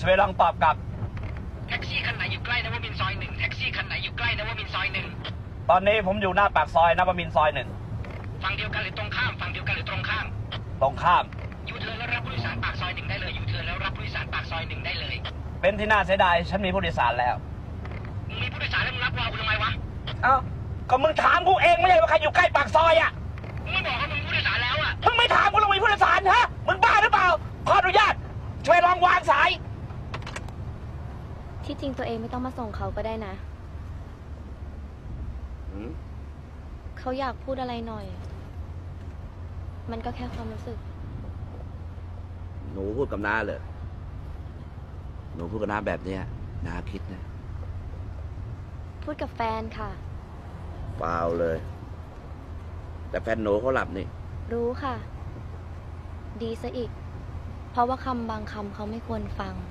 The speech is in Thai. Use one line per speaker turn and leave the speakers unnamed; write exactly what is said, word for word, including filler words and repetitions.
ช่วยลองตอบกลับ
แท็กซี่คันไหนอยู่ใกล้นวมินทร์ซอยหนึ่งแท็กซี่คันไหนอยู่ใกล้นวมินทร์ซอยหนึ่ง
ตอนนี้ผมอยู่หน้าปากซอยนวมินทร์ซอยหนึ่ง
ฝั่งเดียวกันหรือตรงข้ามฝั่งเดียวกันหรือตรงข้าม
ตรงข้าม
ยูเทิร์นแล้วรับผู้โดยสารปากซอยหนึ่งได้เลยยูเทิร์นแล้วรับผู้โดยสารปากซอยหนึ่งได้เลย
เป็นที่น่าเสียดายฉันมีผู้โดยสารแล้ว
มึงมีผู้โดยสารแล้วมึงรับวาวกูทำไมวะ
เอ้าก็มึงถามกูเองไม่ใช่ว่าใครอยู่ใกล้ปากซอยอ่ะ
มึงไม่บอกว่ามึงมีผู้โดยสารแล้วอ่ะ
มึงไม่ถามกูลงมีผู้โดยสารฮะมึงบ้าหรือเปล่าขออนุญาตช่วยลองวางสาย
ที่จริงตัวเองไม่ต้องมาส่งเขาก็ได้นะเขาอยากพูดอะไรหน่อยมันก็แค่ความรู้สึก
หนูพูดกับน้าเลยหนูพูดกับน้าแบบเนี้ยน้าคิดนะ
พูดกับแฟนค่ะ
เปล่าเลยแต่แฟนหนูเขาหลับนี่
รู้ค่ะดีซะอีกเพราะว่าคำบางคำเขาไม่ควรฟัง